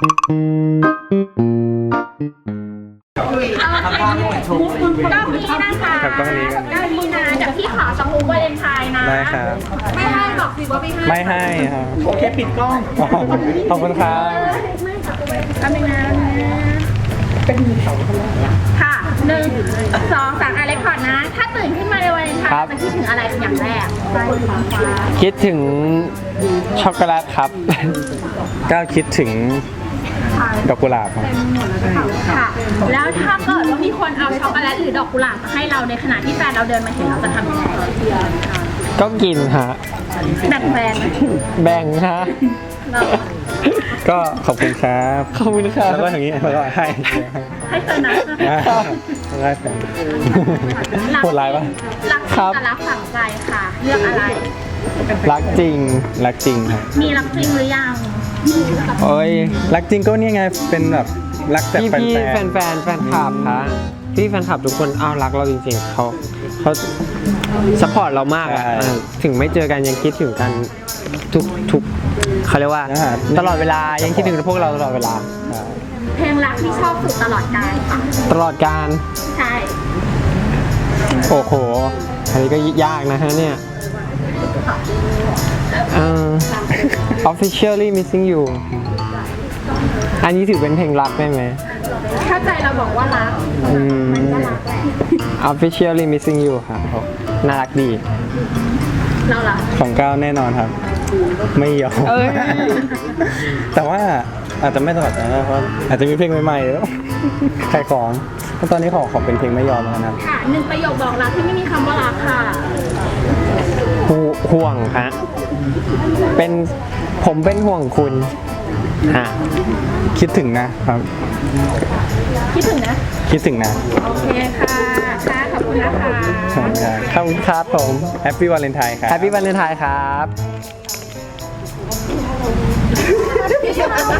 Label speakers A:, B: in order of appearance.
A: ครับก็นี้กัน
B: 9 มีนาเดี๋ยวพี่ขอสมุกวาเลนไทน์นะ
A: ได้ครับ
B: ไม่ให้บอกสิว่าไม่ให้
A: ไม่ให้ครับ
C: โอเคปิดกล้อง
A: ขอบคุณครับ
B: ทำยังไงค่ะ1 2 3อะไรก่อนนะถ้าตื่นขึ้นมาในวาเลนไทน์จะคิดถึงอะไรเป็นอย่างแรก
D: คิดถึงช็อกโกแลตครับ
A: ก้าวคิดถึงดอกกุหลาบครับ
B: ค่ะแล้วถ้าเกิดว่ามีคนเอาช็อกโกแลตหรือดอกกุหลาบมาให้เราในขณะที่แฟนเราเดินมาเห็นเราจะทำยังไง
D: ก็กินฮะ
B: แบ่งแฟนไหม
D: แบ่งฮะ
A: ก็ขอบคุณครับ
D: ขอบคุณครับ
A: แล้วก็อย่างนี้แล้วก็ให้
B: ให้เธอนะ
A: ได้แฟนโหดร้ายปะ
B: รักจริงกับรักฝังใจค่ะ เลือกอะไร
D: รักจริง
A: รักจริงครับ
B: มีรักจริงหรือยัง
D: โอ้ย
A: รักจริงก็เนี่ยไงเป็นแบบรักแต่
D: พี่
A: แฟ
D: พี่แฟ
A: น
D: นแฟนแฟนคลับฮะพี่แฟนคลับทุกคนอ้าวรักเราจริงๆเขาซัพพอร์ตเรามากอะถึงไม่เจอกันยังคิดถึงกันทุกเขาเรียกว่าตลอดเวลายังคิดถึงพวกเราตลอดเวลา
B: เพลงรักที่ชอบสุดตลอดกาลค่ะ
D: ตลอดการ
B: ใช่
D: โอ้โหอันนี้ก็ยากนะฮะเนี่ยOfficially Missing You อันนี้ถือเป็นเพลงรักได้ไหม
B: ถ้าใจเราบอกว่ารักมันก็รักแหละ
D: Officially Missing You ครับน่ารักดี
B: เราล่ะ
A: ของก้าวแน่นอนครับ ไม่ยอม
D: เอ้ย
A: แต่ว่าอาจจะไม่ตลอดนะเพราะอาจจะมีเพลงใหม่ๆแล้วขายของตอนนี้ขอเป็นเพลงไม่ยอมแล้วนะครับ
B: ค่ะ1 ประโยคบอกรักที่ไม่มีคำว่ารักค่ะ
D: ห่วงฮะผมเป็นห่วงคุณฮะ
A: คิดถึงนะครับ
B: คิดถึงนะ
A: คิดถึงนะ
B: โอเคค่ะค่ะขอบคุณนะคะ
A: ขอบคุณครับ
D: ขอบคุณครับผม
A: แฮปปี้วาเลนไทน์ครับ
D: Happy Valentine ครับ